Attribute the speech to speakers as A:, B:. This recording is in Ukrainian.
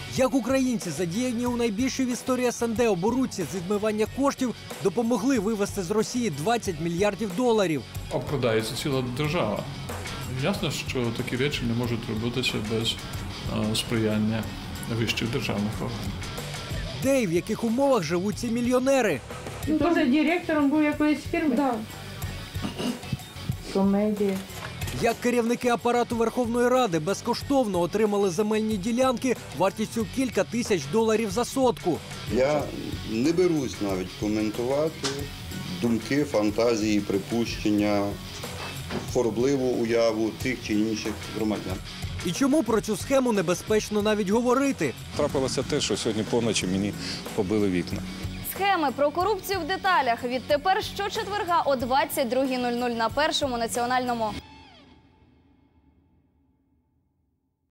A: Як українці, задіяні у найбільшій в історії СНД оборудці з відмивання коштів, допомогли вивезти з Росії 20 мільярдів доларів.
B: Обкрадається ціла держава. Ясно, що такі речі не можуть робитися без сприяння вищих державних органів.
A: Де і в яких умовах живуть ці мільйонери?
C: Він теж директором був якоїсь фірми?
D: Да.
C: Комедія.
A: Як керівники апарату Верховної Ради безкоштовно отримали земельні ділянки вартістю кілька тисяч доларів за сотку.
E: Я не берусь навіть коментувати думки, фантазії, припущення, хворобливу уяву тих чи інших громадян.
A: І чому про цю схему небезпечно навіть говорити?
F: Трапилося те, що сьогодні поночі мені побили вікна.
G: Схеми про корупцію в деталях. Відтепер щочетверга о 22:00 на Першому національному.